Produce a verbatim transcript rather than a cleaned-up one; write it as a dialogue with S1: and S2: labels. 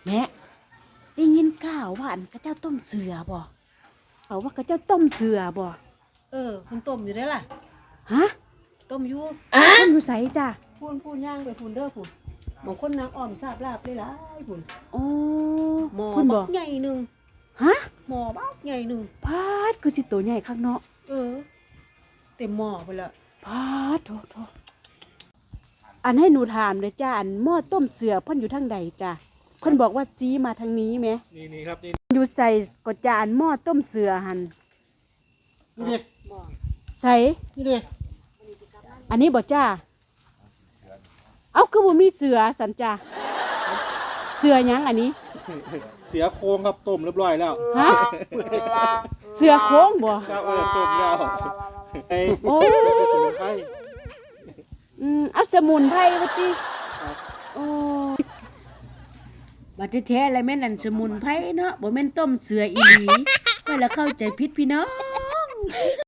S1: แม่ได้ยินข่าวว่าอันกระเจ้าต้มเสือบ่เขาว่ากระเจ้าต้มเสือบ่
S2: เออคุณต้มอยู่ได้ล่ะ
S1: ฮะ
S2: ต้มอยู่
S1: ต้มอยู่ไสจ้ะ
S2: พูนพูนย่างไปพูนเด้อพูนบางคนนางอ้อมทราบลาบเลยหลายพูน
S1: โอ้
S2: หมอ
S1: เพิ่น
S2: บั
S1: บ่
S2: กใหญ่หนึง
S1: ฮะ
S2: หมอบักใหญ่หนึง
S1: พาดคือสิโตใหญ่คักเนาะ
S2: เออเต็มหม้อไปละ
S1: พาดโถโถอันให้หนูถามเลยจ้าอันหม้อต้มเสือเพิ่นอยู่ทางใดจ้ะเพิ่นบอกว่าซีมาทางนี้แหม
S3: นี่นี่ครับนี่
S1: อยู่ใส่ก็จานหม้อต้มเสือหั่น
S3: นี่ดิ
S1: ใส่
S3: นี่ดิ
S1: อันนี้บ่จ้าเอ้าคือบ่มีเสือสันจ้าเสือหยังอันนี้
S3: เสียโครงครับต้มเรียบร้อยแล้ว
S1: ฮะเสือโค้งบ่
S3: ครับเออต้มแล้วไอ้
S1: โอ้
S3: สมุนไพร
S1: อืมเอาสมุนไพรว่าติโอ้บัดแท้ๆแล้วแม่นอันสมุนไพรเนาะบ่แม่นต้มเสืออีหลีก็ละเข้าใจผิดพี่น้อง